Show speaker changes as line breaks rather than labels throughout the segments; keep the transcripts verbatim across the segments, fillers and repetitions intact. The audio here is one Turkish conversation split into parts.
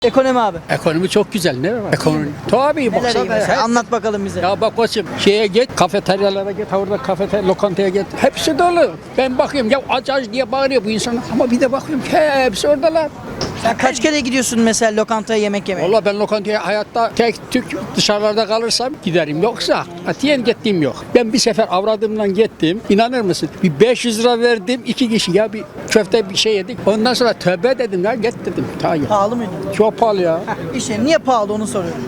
Ekonomi abi.
Ekonomi çok güzel, ne var? Ekonomi. Tabii
Neler iyi
baksana.
mesela?
her-
Anlat bakalım bize.
Ya bak koçum, şeye git, kafeteryalara git, orada kafeterya, lokantaya git. Hepsi dolu. Ben bakıyorum ya aç aç diye bağırıyor bu insanlar. Ama bir de bakıyorum ki hepsi oradalar.
Sen kaç kere gidiyorsun mesela lokantaya yemek yemeye?
Vallahi ben lokantaya hayatta tek tük dışarılarda kalırsam giderim. Yoksa atiyen gittiğim yok. Ben bir sefer avradımdan gittim. İnanır mısın? Bir beş yüz lira verdim. iki kişi ya bir köfte bir şey yedik. Ondan sonra tövbe dedim ya git dedim. Ta ya.
Pahalı mıydı?
Çok pahalı ya.
İşte niye pahalı onu soruyorum.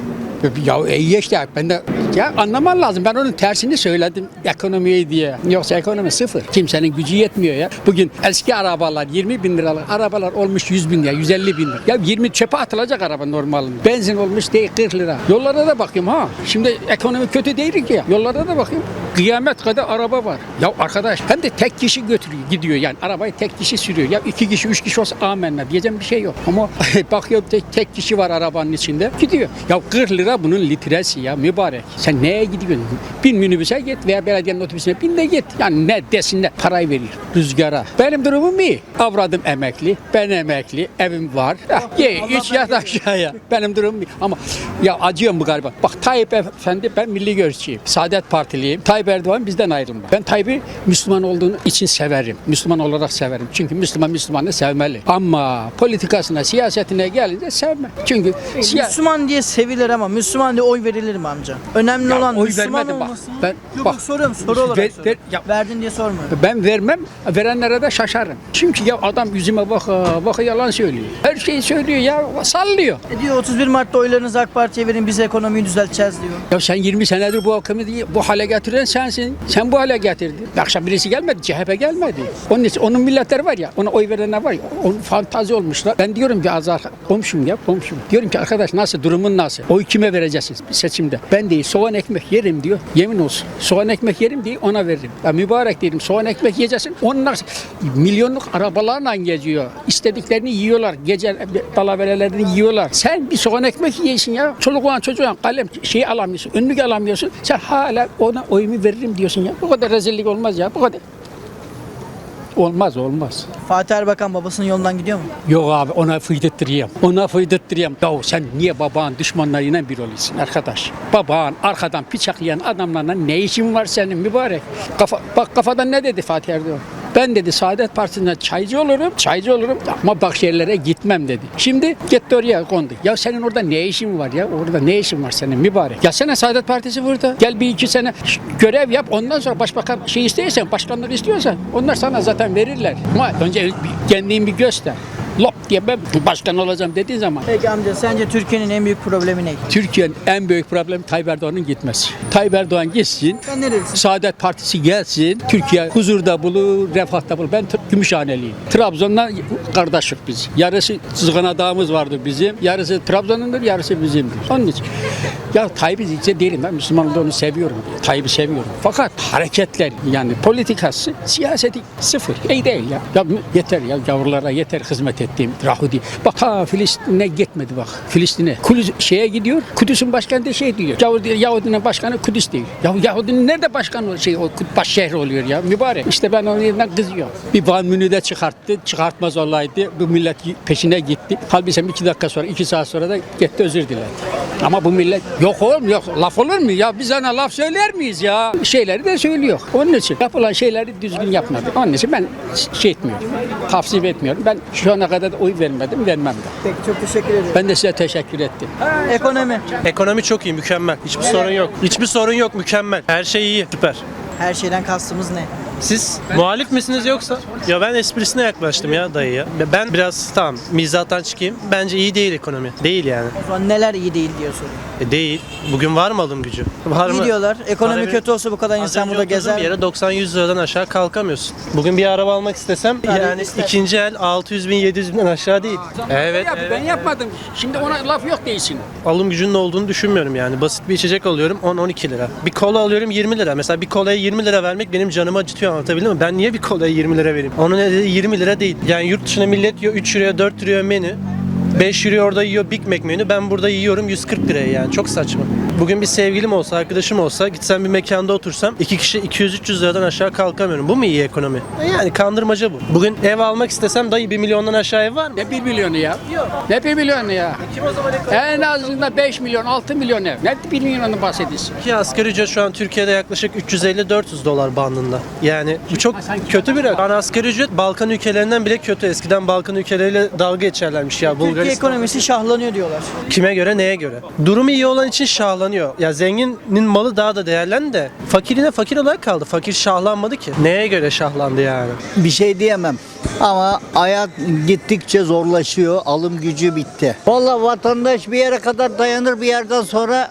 Ya iyi işte ben de ya anlaman lazım. Ben onun tersini söyledim ekonomiyi diye. Yoksa ekonomi sıfır. Kimsenin gücü yetmiyor ya. Bugün eski arabalar yirmi bin liralık arabalar olmuş yüz bin lira, yüz elli bin lira. Ya yirmi çöpe atılacak araba normalinde. Benzin olmuş değil kırk lira. Yollara da bakayım ha. Şimdi ekonomi kötü değil ki ya. Yollara da bakayım. Kıyamet kadar araba var. Ya arkadaş hem de tek kişi götürüyor gidiyor yani. Arabayı tek kişi sürüyor. Ya iki kişi üç kişi olsa amenna diyeceğim bir şey yok. Ama bakıyorum tek, tek kişi var arabanın içinde. Gidiyor. Ya kırk lira bunun litresi ya mübarek. Sen neye gidiyorsun? Bin minibüse git veya belediyenin otobüsüne bin de git. Yani ne desinler parayı veriyor rüzgara. Benim durumum iyi. Avradım emekli. Ben emekli. Evim var. Ah, ye iç yat aşağıya. Benim durumum iyi. Ama ya acıyorum bu galiba. Bak Tayyip Efendi ben milli görüşçüyüm. Saadet Partiliyim. Tayyip Erdoğan bizden ayrılma. Ben Tayyip'i Müslüman olduğunu için severim. Müslüman olarak severim. Çünkü Müslüman Müslümanı sevmeli. Ama politikasına, siyasetine gelince sevmem. Çünkü siya-
Müslüman diye sevilir ama Müslüman diye oy verilir mi amca? Önemli
Ya
olan
oy
Müslüman
vermedim bak.
olması.
Ben-
yok,
bak.
yok soruyorum soru olarak
Ver-
soruyorum.
ver- ya-
Verdin diye sormuyorum.
Ben vermem, verenlere de şaşarım. Çünkü ya adam yüzüme baka baka yalan söylüyor. Her şeyi söylüyor ya, sallıyor.
E diyor otuz bir Mart'ta oylarınızı AK Parti'ye verin biz ekonomiyi düzelteceğiz diyor.
Ya sen yirmi senedir bu ekonomiyi bu hale getiren sensin. Sen bu hale getirdin. Akşam birisi gelmedi, C H P gelmedi. Onun için onun milletleri var ya, ona oy verenler var ya, onun fantazi olmuşlar. Ben diyorum bir azar komşum ya, komşum. Diyorum ki arkadaş nasıl, durumun nasıl? Oy kime vereceksiniz bir seçimde? Ben değil, soğan ekmek yerim diyor. Yemin olsun. Soğan ekmek yerim diye ona veririm. Ya mübarek dedim, soğan ekmek yiyeceksin. Onlar milyonluk arabalarla geziyor. İstediklerini yiyorlar. Gece dalaverelerini yiyorlar. Sen bir soğan ekmek yiyorsun ya. Çoluğun çocuğun kalem şey alamıyorsun. Önlük alamıyorsun. Sen hala ona oyumu veririm diyorsun ya. Bu kadar rezillik olmaz ya. Bu kadar. Olmaz olmaz.
Fatih Erbakan babasının yolundan gidiyor mu?
Yok abi ona fıydırttırayım. Ona fıydırttırayım. Ya sen niye babanın düşmanlarıyla bir oluyorsun arkadaş? Babanın arkadan bıçaklayan adamlarla ne işin var senin mübarek? Kafa, bak kafadan ne dedi Fatih Erdoğan? Ben dedi Saadet Partisi'nde çaycı olurum, çaycı olurum ama bak yerlere gitmem dedi. Şimdi gitti oraya kondu. Ya senin orada ne işin var ya? Orada ne işin var senin mübarek? Gelsene Saadet Partisi burada. Gel bir iki sene görev yap. Ondan sonra başbakan şey istiyorsan, başkanları istiyorsan onlar sana zaten verirler. Ama önce bir, kendini bir göster. Lop diye ben başkan olacağım dediğin zaman
Peki amca sence Türkiye'nin en büyük problemi ne?
Türkiye'nin en büyük problemi Tayyip Erdoğan'ın gitmesi. Tayyip Erdoğan gitsin,
Sen nerelisin?
Saadet Partisi gelsin, Türkiye huzurda bulur, refahta bulur. Ben Gümüşhaneliyim. Trabzon'dan kardeşlik biz. Yarısı Zıgana Dağımız vardır bizim. Yarısı Trabzon'undur, yarısı bizimdir. Onun için. Ya Tayyip'i hiç değilim. Ben Müslüman olduğunu seviyorum. Tayyip'i seviyorum. Fakat hareketler yani politikası, siyaseti sıfır. İyi değil ya. Ya yeter ya gavurlara yeter hizmet ettiğim Rahudi. Bak ha Filistin'e gitmedi bak. Filistin'e. Kudüs şeye gidiyor. Kudüs'ün başkanı da şey diyor. Yahudi, Yahudinin başkanı Kudüs diyor. Ya Yahudinin nerede başkan oluyor? Şey o baş şehri oluyor ya. Mübarek. İşte ben onun yerinden kızıyorum. Bir Van Münih'de çıkarttı. Çıkartmaz olaydı. Bu millet peşine gitti. Halbuki sen iki dakika sonra, iki saat sonra da gitti özür diledi. Ama bu millet yok oğlum yok. Laf olur mu ya? Biz ona laf söyler miyiz ya? Şeyleri de söylüyor. Onun için yapılan şeyleri düzgün yapmadı. Onun için ben şey etmiyorum. Tavsiye etmiyorum. Ben şu ana kadar da oy vermedim, vermem de.
Peki çok teşekkür ederim.
Ben de size teşekkür ettim.
Ekonomi.
Ekonomi çok iyi, mükemmel. Hiçbir sorun yok. Hiçbir sorun yok, mükemmel. Her şey iyi, süper.
Her şeyden kastımız ne?
Siz muhalif misiniz yoksa? Ya ben esprisine yaklaştım ya dayıya. Ben biraz tamam mizahtan çıkayım. Bence iyi değil ekonomi. Değil yani.
O zaman neler iyi değil diyor soruyor.
E değil. Bugün var mı alım gücü? Var
İyi
mı?
diyorlar. Ekonomi
Para
kötü olsa bu kadar
Az
insan
önce
burada
oturdum
gezer.
bir yere doksan yüz liradan aşağı kalkamıyorsun. Bugün bir araba almak istesem yani
ister.
ikinci el altı yüz bin yedi yüz binden aşağı değil. Evet,
Yap,
evet.
Ben yapmadım. Şimdi ona laf yok değilsin.
Alım gücünün olduğunu düşünmüyorum yani. Basit bir içecek alıyorum on on iki lira. Bir kola alıyorum yirmi lira. Mesela bir kolaya yirmi lira vermek benim canımı acıtıyor, anlatabildim mi? Ben niye bir kolaya yirmi lira vereyim? Onun nedeni yirmi lira değil. Yani yurt dışında millet yiyor üç liraya dört liraya menü. beş euro orada yiyor Big Mac menü. Ben burada yiyorum yüz kırk liraya yani. Çok saçma. Bugün bir sevgilim olsa, arkadaşım olsa, gitsem bir mekanda otursam iki kişi iki yüz üç yüz liradan aşağı kalkamıyorum. Bu mu iyi ekonomi? E Yani kandırmaca bu. Bugün ev almak istesem dayı bir milyondan aşağı ev var mı?
Ne bir milyonu ya? Ne bir milyonu ya?
Kim o zaman ekonomi?
En azından beş milyon, altı milyon ev. Ne bir milyondan bahsediyorsun?
Ki asgari ücret şu an Türkiye'de yaklaşık üç yüz elli dört yüz dolar bandında. Yani bu çok kötü bir rakam. Yani asgari ücret Balkan ülkelerinden bile kötü. Eskiden Balkan ülkeleriyle dalga geçerlermiş ya.
Türkiye
Bulgaristan.
ekonomisi şahlanıyor diyorlar.
Kime göre, neye göre? Durumu iyi olan için şahlanıyor. Ya zenginin malı daha da değerlendi de fakirine fakir olarak kaldı. Fakir şahlanmadı ki. Neye göre şahlandı yani?
Bir şey diyemem. Ama hayat gittikçe zorlaşıyor. Alım gücü bitti. Vallahi vatandaş bir yere kadar dayanır, bir yerden sonra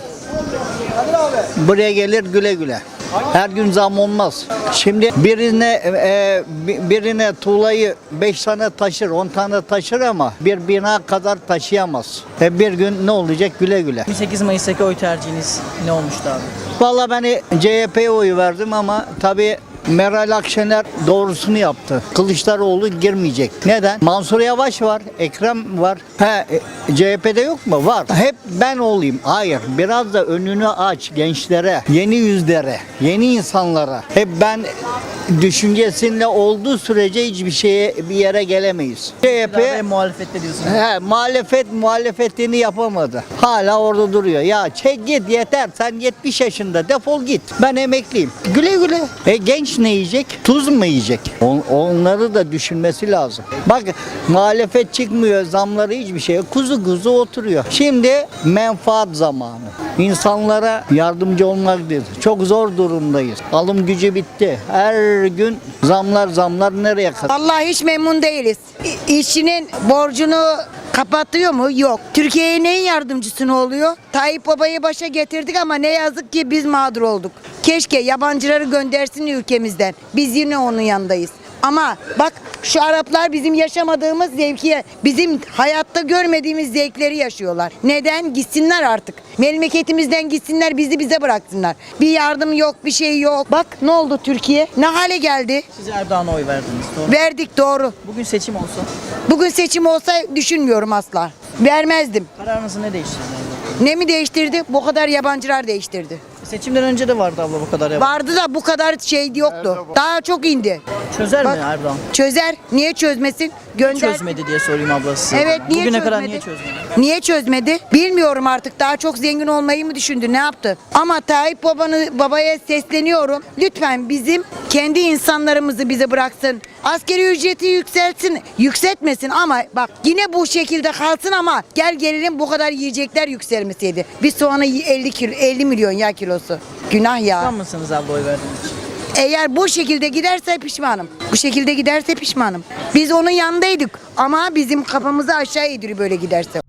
buraya gelir güle güle. Her gün zam olmaz. Şimdi birine e, birine tuğlayı beş tane taşır, on tane taşır ama bir bina kadar taşıyamaz. E bir gün ne olacak güle güle.
yirmi sekiz Mayıs'taki oy tercihiniz ne olmuştu abi?
Vallahi ben C H P'ye oy verdim ama tabii Meral Akşener doğrusunu yaptı. Kılıçdaroğlu girmeyecek. Neden? Mansur Yavaş var, Ekrem var. He, e, C H P'de yok mu? Var. Hep ben olayım. Hayır. Biraz da önünü aç gençlere, yeni yüzlere, yeni insanlara. Hep ben düşüncesinde olduğu sürece hiçbir şeye bir yere gelemeyiz. C H
P...
P
muhalefette diyorsunuz.
He, muhalefet muhalefetini yapamadı. Hala orada duruyor. Ya çek git yeter. Sen yetmiş yaşında defol git. Ben emekliyim. Güle güle. E genç ne yiyecek? Tuz mu yiyecek? On- onları da düşünmesi lazım. Bak muhalefet çıkmıyor. Zamları hiçbir şey yok. Kuzu kuzu oturuyor. Şimdi menfaat zamanı. İnsanlara yardımcı olmaktır. Çok zor durumdayız. Alım gücü bitti. Her gün zamlar zamlar nereye kadar?
Vallahi hiç memnun değiliz. İ- İşçinin borcunu kapatıyor mu? Yok. Türkiye'ye neyin yardımcısı oluyor? Tayyip Baba'yı başa getirdik ama ne yazık ki biz mağdur olduk. Keşke yabancıları göndersin ülkemizden. Biz yine onun yanındayız. Ama bak şu Araplar bizim yaşamadığımız zevki, bizim hayatta görmediğimiz zevkleri yaşıyorlar. Neden? Gitsinler artık. Memleketimizden gitsinler, bizi bize bıraksınlar. Bir yardım yok, bir şey yok. Bak ne oldu Türkiye? Ne hale geldi?
Siz Erdoğan'a oy verdiniz. Doğru.
Verdik doğru.
Bugün seçim olsa
Bugün seçim olsa düşünmüyorum asla. Vermezdim.
kararınızı ne değiştirdi?
Ne mi değiştirdi? Bu kadar yabancılar değiştirdi.
Seçimden önce de vardı abla bu kadar ya.
Vardı da bu kadar şey yoktu. Daha çok indi.
Çözer
Bak-
mi Erdoğan?
Çözer. Niye çözmesin? Gönder.
Çözmedi diye sorayım abla size.
Evet, niye
Bugüne kadar
çözmedi?
niye çözmedi?
Niye çözmedi? Bilmiyorum artık. Daha çok zengin olmayı mı düşündü? Ne yaptı? Ama Tayyip babanı, babaya sesleniyorum. Lütfen bizim kendi insanlarımızı bize bıraksın. Askeri ücreti yükseltsin. Yükseltmesin ama bak yine bu şekilde kalsın ama gel gelelim bu kadar yiyecekler yükselmeseydi. Bir soğanı elli kilo, elli milyon ya kilosu. Günah ya.
Pişman mısınız abla oy verdiğiniz için?
Eğer bu şekilde giderse pişmanım. Bu şekilde giderse pişmanım. Biz onun yanındaydık ama bizim kafamızı aşağı indiriyor böyle giderse.